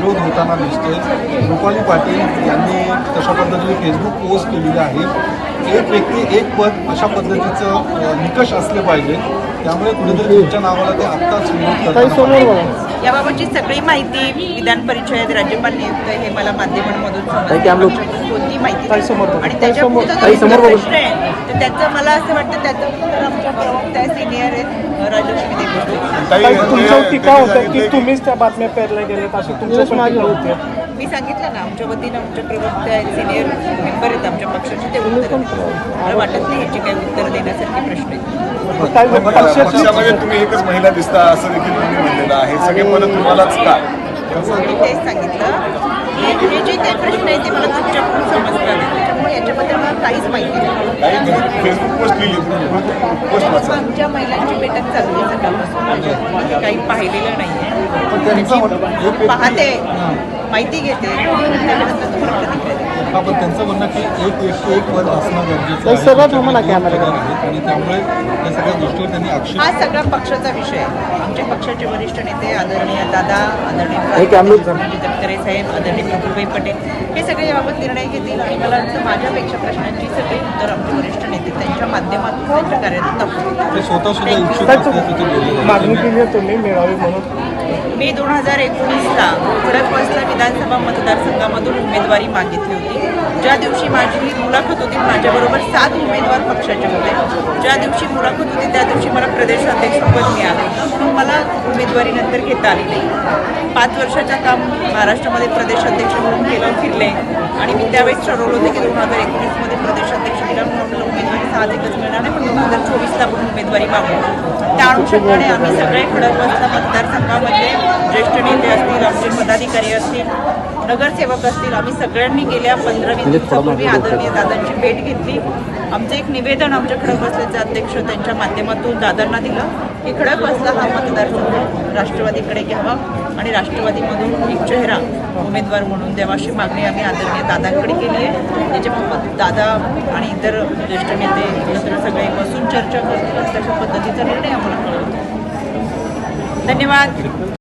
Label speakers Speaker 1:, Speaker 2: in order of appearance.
Speaker 1: विरोध होताना दिसतोय। रुपाली पाटील यांनी तशा पद्धतीने फेसबुक पोस्ट केलेली आहे। एक व्यक्ती एक पद अशा पद्धतीचं निकष असले पाहिजे, त्यामुळे कुठेतरी तुमच्या नावाला ते आत्ताच विरोध करतात।
Speaker 2: याबाबतची सगळी माहिती विधान परिषद राज्यपाल नियुक्त हे मला माध्यमांमधून कोणती माहिती आणि त्याच्या प्रश्न आहे तर त्याचं मला असं वाटतं त्याचं उत्तर आमच्या प्रवक्त्या सिनियर राजलक्ष्मी देशमुख।
Speaker 3: तुमच्यावर टीका होतं की तुम्हीच त्या बातम्या पेरल्या गेल्यात अशी तुमच्या मागे होते।
Speaker 2: मी सांगितलं ना आमच्या वतीनं आमच्या प्रवक्त्या सिनियर मेंबर आहेत आमच्या पक्षाचे, ते उत्तर मला वाटत नाही ह्याची काही उत्तर देण्यासारखे प्रश्न आहेत।
Speaker 4: पक्षामध्ये तुम्ही एकच महिला दिसता असं देखील तुम्ही म्हणलेलं आहे, सगळे पद तुम्हालाच का?
Speaker 2: मी तेच सांगितलं की हे जे काही प्रश्न आहे ते मला तुमच्याकडून समजतात, त्याच्यामुळे याच्याबद्दल मला काहीच माहिती नाही।
Speaker 4: फेसबुक पोस्ट लिहिली, पोस्ट वाचा।
Speaker 2: आमच्या महिलांची बैठक चालू आहे सकाळपासून, काही पाहिलेलं नाहीये, पाहते माहिती घेते त्याच्यानंतर तुम्हाला प्रतिक्रिया देते।
Speaker 1: पण त्यांचं म्हणणं की एक व्यक्ती एक पद असणं गरजेचं आहे आणि त्यामुळे या सगळ्या गोष्टीवर त्यांनी आक्षेप।
Speaker 2: हा सगळा पक्षाचा विषय आहे। आमचे पक्षाचे वरिष्ठ नेते आदरणीय दादा, आदरणीय तटकरे साहेब, आदरणीय प्रफुल्लभाई पटेल हे सगळे याबाबत निर्णय घेतील आणि मला वाटतं माझ्यापेक्षा प्रश्नांची सगळी उत्तर आमचे वरिष्ठ नेते त्यांच्या माध्यमातून त्यांच्या कार्यातून दाखवतील।
Speaker 1: स्वतः सुद्धा इच्छुक असल्याचं
Speaker 3: मागणी केली आहे तुम्ही मिळावी म्हणून।
Speaker 2: मी 2019ला खडकवासला विधानसभा मतदारसंघामधून उमेदवारी मागितली होती। ज्या दिवशी माझी मुलाखत होती माझ्याबरोबर 7 उमेदवार पक्षाचे होते। ज्या दिवशी मुलाखत होती त्या दिवशी मला प्रदेशाध्यक्षपद मिळालं, म्हणून मला उमेदवारी नंतर घेता आली नाही। 5 वर्षाचं काम महाराष्ट्रामध्ये प्रदेशाध्यक्ष म्हणून केलं, फिरले आणि मी त्यावेळेस ठरवलं होतं की 2019मध्ये प्रदेशाध्यक्ष केलं म्हणून उमेदवारी साहजिकच मिळणार नाही, पण 2024ला पण उमेदवारी मागू। त्या अनुषंगाने आम्ही सगळे खडकवासला मतदारसंघामध्ये ज्येष्ठ नेते असतील, आमचे पदाधिकारी असतील, नगरसेवक असतील, आम्ही सगळ्यांनी गेल्या 15-20 दिवसापूर्वी आदरणीय दादांची भेट घेतली। आमचं एक निवेदन आमच्या खडकवासल्याचे अध्यक्ष त्यांच्या माध्यमातून दादांना दिलं की खडकवासला हा मतदारसंघ राष्ट्रवादीकडे घ्यावा आणि राष्ट्रवादीमधून एक चेहरा उमेदवार म्हणून द्यावा अशी मागणी आम्ही आदरणीय दादांकडे केली आहे। त्याच्यामुळे दादा आणि इतर ज्येष्ठ नेते एकत्र सगळे बसून चर्चा करतील, तशा पद्धतीचा निर्णय आम्हाला कळवतो। धन्यवाद।